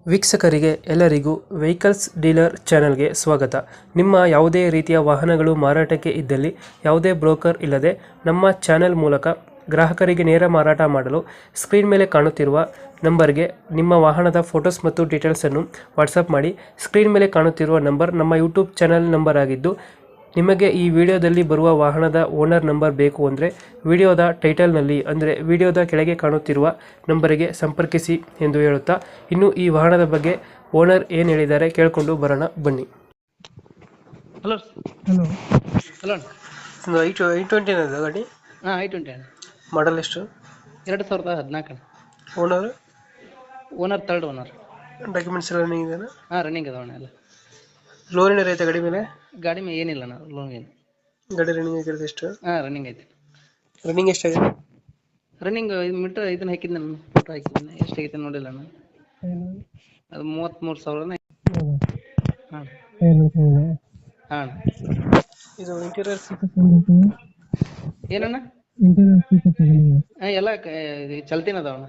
ವೀಕ್ಷಕರಿಗೆ ಎಲ್ಲರಿಗೂ vehicles dealer ಚಾನೆಲ್ಗೆ ಸ್ವಾಗತ. ನಿಮ್ಮ ಯಾವುದೇ ರೀತಿಯ ವಾಹನಗಳು ಮಾರಾಟಕ್ಕೆ ಇದ್ದಲ್ಲಿ ಯಾವುದೇ ಬ್ರೋಕರ್ ಇಲ್ಲದೆ ನಮ್ಮ ಚಾನೆಲ್ ಮೂಲಕ ಗ್ರಾಹಕರಿಗೆ ನೇರ ಮಾರಾಟ ಮಾಡಲು ಸ್ಕ್ರೀನ್ ಮೇಲೆ ಕಾಣುತ್ತಿರುವ ನಂಬರ್ಗೆ ನಿಮ್ಮ ವಾಹನದ ಫೋಟೋಸ್ ಮತ್ತು ಡೀಟೇಲ್ಸನ್ನು ವಾಟ್ಸಪ್ ಮಾಡಿ. ಸ್ಕ್ರೀನ್ ಮೇಲೆ ಕಾಣುತ್ತಿರುವ ನಂಬರ್ ನಮ್ಮ ಯೂಟ್ಯೂಬ್ ಚಾನೆಲ್ ನಂಬರ್ ಆಗಿದ್ದು, ನಿಮಗೆ ಈ ವಿಡಿಯೋದಲ್ಲಿ ಬರುವ ವಾಹನದ ಓನರ್ ನಂಬರ್ ಬೇಕು ಅಂದರೆ ವಿಡಿಯೋದ ಟೈಟಲ್ನಲ್ಲಿ ಅಂದರೆ ವಿಡಿಯೋದ ಕೆಳಗೆ ಕಾಣುತ್ತಿರುವ ನಂಬರಿಗೆ ಸಂಪರ್ಕಿಸಿ ಎಂದು ಹೇಳುತ್ತಾ, ಇನ್ನು ಈ ವಾಹನದ ಬಗ್ಗೆ ಓನರ್ ಏನು ಹೇಳಿದ್ದಾರೆ ಕೇಳಿಕೊಂಡು ಬರೋಣ ಬನ್ನಿ. ಹಲೋ ಹಲೋ ಹಲೋ ಒಂದು I20 ಗಾಡಿ. ಹಾಂ I20 ಅಣ್ಣ. ಮಾಡಲ್ ಎಷ್ಟು? 2014. Owner? Owner third owner. Documents ಎಲ್ಲ ರನ್ನಿಂಗ್ ಇದೆಯಾ? ಹಾಂ ರನ್ನಿಂಗ್ ಅದಾವಣ್ಣ ಎಲ್ಲ. ಲೋನ್ ಏನಾರ ಐತೆ ಗಾಡಿ ಮೇಲೆ? ಗಾಡಿ ಮೇಲೆ ಏನಿಲ್ಲ ಅಣ್ಣ, ಲೋನ್ ಏನು. ಗಾಡಿ ರನ್ನಿಂಗ್ ಆಗಿರೋದು ಎಷ್ಟು? ಹಾಂ ರನ್ನಿಂಗ್ ಐತೆ. ರನ್ನಿಂಗ್ ಎಷ್ಟಾಗಿದೆ? ರನ್ನಿಂಗ್ ಮೀಟ್ರ್ ಇದನ್ನ ಹಾಕಿದ್ದು ನಾನು ಫೋಟೋ ಹಾಕಿದ್ದೀನಿ, ಎಷ್ಟಾಗೈತೆ ನೋಡಿಲ್ಲ ನಾನು. ಅದು 33,000. ಹಾಂ ಹಾಂ. ಇದು ಇಂಟೀರಿಯರ್ ಏನಣ್ಣ? ಹಾಂ ಎಲ್ಲ ಚಲ್ತಿನ ಅದಾವಣ್ಣ.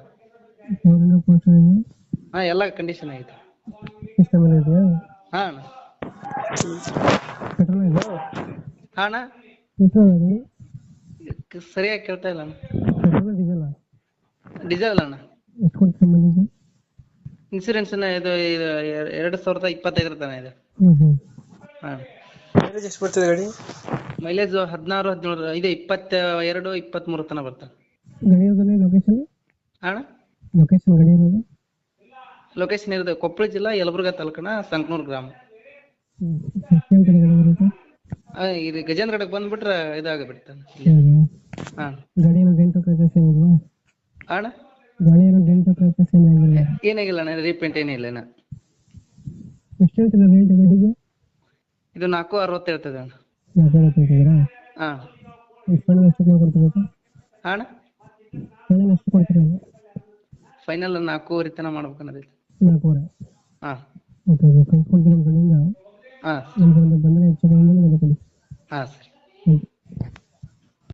ಹಾಂ ಎಲ್ಲ ಕಂಡೀಷನ್ ಐತೆ. ಹಾಂ ಅಣ್ಣ. ಹಾಂ ಅಣ್ಣ ಸರಿಯಾಗಿ ಕೇಳ್ತಾ ಇಲ್ಲ ಅಣ್ಣ. ಡೀಸೆಲ್ ಅಣ್ಣ. ಇನ್ಸೂರೆನ್ಸ್ ಇದು 2025 ತನಕ ಇದೆ. ಹಾಂ. ಮೈಲೇಜ್ ಎಷ್ಟು ಬರ್ತದೆ ಗಾಡಿ? ಮೈಲೇಜ್ 16, 17 ಇದೆ, 22, 23 ತನಕ ಬರ್ತದೆ. ಅಣ್ಣ ಲೊಕೇಶನ್ ಇರೋದು ಕೊಪ್ಪಳ ಜಿಲ್ಲಾ ಯಲಬುರ್ಗಾ ತಾಲೂಕನ ಸಂಕನೂರು ಗ್ರಾಮ. ಇದು ಗಜೇಂದ್ರಗಡಕ್ಕೆ ಬಂದ್ಬಿಟ್ರೆ ಇದಾಗಬಿಡ್ತಾನೆ. ಹಾಂ ಅಣ್ಣ ಏನಾಗಿಲ್ಲ ಅಣ್ಣ, ರೀಪೇಂಟ್ ಏನಿಲ್ಲ ಅಣ್ಣ. ಇದು 460 ಇರ್ತದೆ ಅಣ್ಣ. ಹಾಂ ಅಣ್ಣ ಫೈನಲ್ 4.5 ತನಕ ಮಾಡ್ಬೇಕನ್ನೋದೈತಿ. ಹಾಂ ಹಾಂ ಹಾಂ ಸರಿ.